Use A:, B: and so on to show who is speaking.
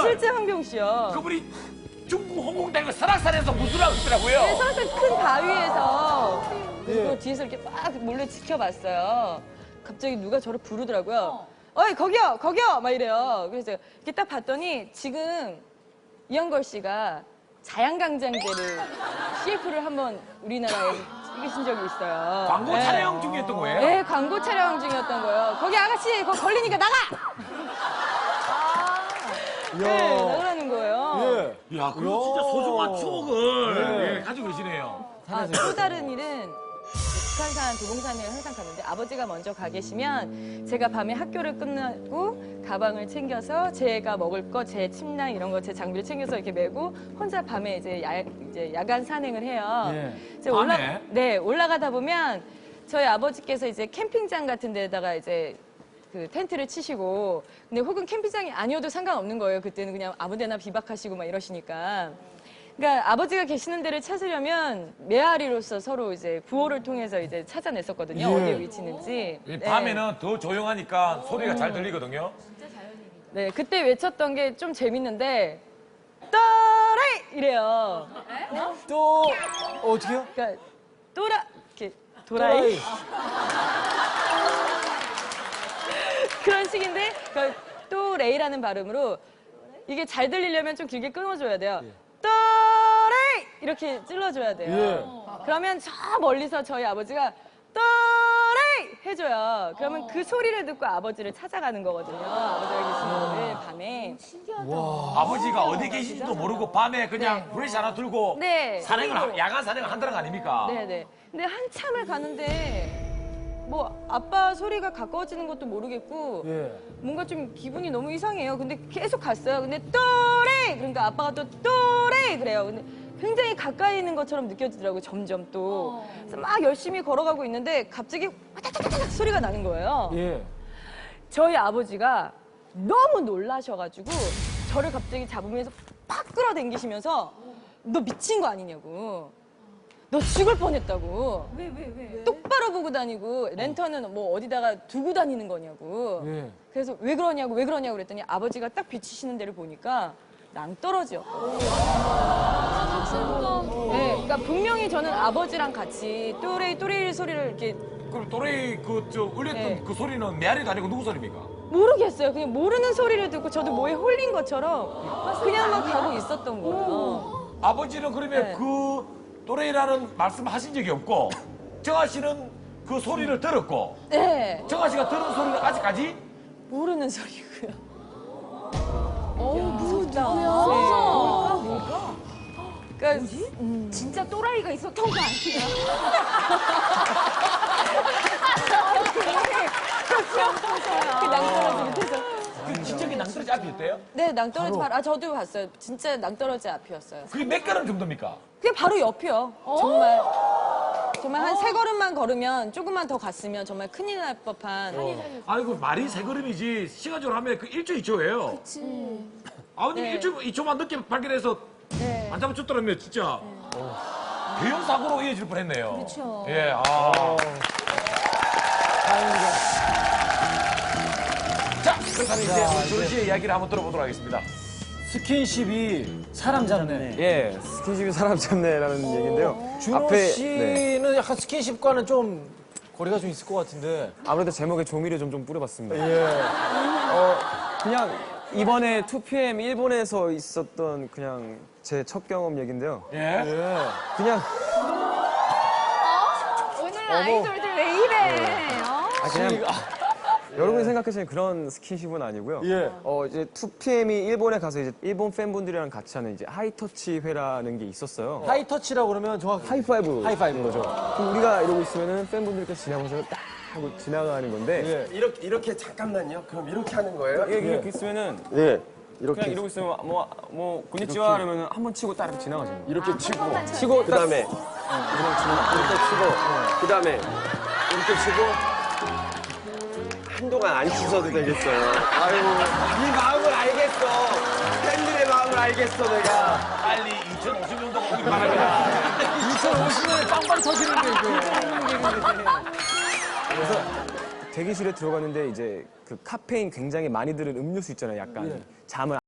A: 실제 황병우 씨요.
B: 그분이 중국 홍콩대교 설악산에서 무술하고 있더라고요.
A: 네, 설악산 큰 바위에서 그리고 뒤에서 이렇게 막 몰래 지켜봤어요. 갑자기 누가 저를 부르더라고요. 어이 거기요 거기요 막 이래요. 그래서 이렇게 딱 봤더니 지금 이영걸 씨가 자양강장제를 CF를 한번 우리나라에 찍으신 적이 있어요.
B: 광고
A: 네.
B: 촬영 중이었던 거예요?
A: 네, 광고 촬영 중이었던 거예요. 거기 아가씨 거기 걸리니까 나가! 네, 나가라는 거예요.
C: 예.
B: 야, 그거 진짜 소중한 추억을 예, 가지고 계시네요.
A: 아, 또 다른 일은 북한산 도봉산을 항상 가는데 아버지가 먼저 가 계시면 제가 밤에 학교를 끝나고 가방을 챙겨서 제가 먹을 거, 제 침낭 이런 거 제 장비를 챙겨서 이렇게 메고 혼자 밤에 이제 야간 산행을 해요.
C: 예.
A: 이제
B: 밤에?
A: 네, 올라가다 보면 저희 아버지께서 이제 캠핑장 같은 데다가 이제 그 텐트를 치시고 근데 혹은 캠핑장이 아니어도 상관없는 거예요. 그때는 그냥 아무 데나 비박하시고 막 이러시니까. 그러니까 아버지가 계시는 데를 찾으려면 메아리로서 서로 이제 구호를 통해서 이제 찾아냈었거든요.
C: 예.
A: 어디에 위치 있는지.
B: 이 밤에는 더 조용하니까 소리가 잘 들리거든요.
A: 네, 그때 외쳤던 게 좀 재밌는데 또라이 이래요.
C: 또 어떻게요?
A: 그러니까 이렇게 도라이. 그런 식인데 또 레이라는 발음으로 이게 잘 들리려면 좀 길게 끊어줘야 돼요. 또레이 이렇게 찔러줘야 돼요.
C: 예.
A: 그러면 저 멀리서 저희 아버지가 또레이 해줘요. 그러면 그 소리를 듣고 아버지를 찾아가는 거거든요. 아버지가 계시는 밤에.
B: 아버지가 어디 계신지도 모르고 밤에 그냥 브레시 하나 들고
A: 네.
B: 야간 산행을 한다는 거 아닙니까?
A: 네네. 근데 한참을 가는데 뭐 아빠 소리가 가까워지는 것도 모르겠고
C: 예.
A: 뭔가 좀 기분이 너무 이상해요. 근데 계속 갔어요. 근데 또레이 그러니까 아빠가 또 또레이 그래요. 근데 굉장히 가까이 있는 것처럼 느껴지더라고요. 점점 또. 그래서 막 열심히 걸어가고 있는데 갑자기 와다다다닥 소리가 나는 거예요.
C: 예.
A: 저희 아버지가 너무 놀라셔가지고 저를 갑자기 잡으면서 팍 끌어당기시면서 너 미친 거 아니냐고. 너 죽을 뻔했다고. 왜? 똑바로 보고 다니고 랜턴은 뭐 어디다가 두고 다니는 거냐고.
C: 예.
A: 그래서 왜 그러냐고 그랬더니 아버지가 딱 비치시는 데를 보니까 낭떠러지였거든요. 네, 그러니까 분명히 저는 아버지랑 같이 또레이 소리를 이렇게
B: 그럼 또래이 울렸던
A: 네.
B: 그 소리는 메아리도 아니고 누구 소리입니까?
A: 모르겠어요. 그냥 모르는 소리를 듣고 저도 뭐에 홀린 것처럼 그냥 막 가고 있었던 거예요.
B: 아버지는 그러면
A: 네.
B: 그 또래이라는 말씀하신 적이 없고 정아 씨는 그 소리를 들었고
A: 네,
B: 정아 씨가 들은 소리는 아직까지
A: 모르는 소리고요.
D: 무섭다.
A: 뭘까? 그러니까
D: 진짜 또라이가 있었던 거 아니야?
A: 그 낭떠러지 밑에서.
B: 그 진짜 낭떠러지 앞이었대요?
A: 네, 낭떠러지 바로 저도 봤어요. 진짜 낭떠러지 앞이었어요.
B: 그게 몇 걸음 정도입니까?
A: 그게 바로 옆이요. 정말 한 세 걸음만 걸으면 조금만 더 갔으면 정말 큰일 날 법한.
B: 아니 그 말이 세 걸음이지 시간적으로 하면 그 1초 2초예요. 그치. 아버님이
A: 네.
B: 1초 2초만 늦게 발견해서
A: 네.
B: 안 잡아줬더라면 진짜 대형 사고로 이어질 뻔했네요.
D: 그렇죠.
B: 예, 자, 그렇다면 이제 조은 씨의 이야기를 한번 들어보도록 하겠습니다.
C: 스킨십이 사람 잡네.
E: 예, 스킨십이 사람 잡네라는 얘기인데요.
C: 준호
E: 앞에,
C: 씨는
E: 네.
C: 약간 스킨십과는 좀 거리가 좀 있을 것 같은데.
E: 아무래도 제목에 종이를 좀 뿌려봤습니다.
C: 예.
E: 그냥 이번에 2PM 일본에서 있었던 그냥 제 첫 경험 얘기인데요.
B: 예.
C: 예.
E: 그냥
D: 오늘 아이돌들 왜 이래?
E: 그냥 여러분이 생각하시는 그런 스킨십은 아니고요.
C: 예.
E: 이제 2PM이 일본에 가서 이제 일본 팬분들이랑 같이 하는 이제 하이터치 회라는 게 있었어요.
C: 하이터치라고 그러면 정확히
E: 하이파이브.
C: 하이파이브인 거죠.
E: 그럼 우리가 이러고 있으면은 팬분들께서 지나가면서 딱 하고 지나가는 건데
C: 예.
F: 이렇게 잠깐만요. 그럼 이렇게 하는 거예요?
E: 이렇게 있으면은
F: 네.
E: 그냥 이러고 있으면 뭐 곤니치와 이러면 한 번 치고 따라 지나가시는 거예요.
F: 이렇게 치고
E: 치고
F: 그다음에
E: 그냥 지나가.
F: 이렇게 치고 그다음에 이렇게 치고 한동안 안 씻어도 되겠어요. 아유, 네 마음을 알겠어. 팬들의 마음을 알겠어, 내가.
B: 빨리 2050년도가 오길 바랍니다.
C: 2050년에 빵빵 터지는데 이게.
E: 대기실에 들어갔는데 이제 그 카페인 굉장히 많이 들은 음료수 있잖아요. 약간 잠을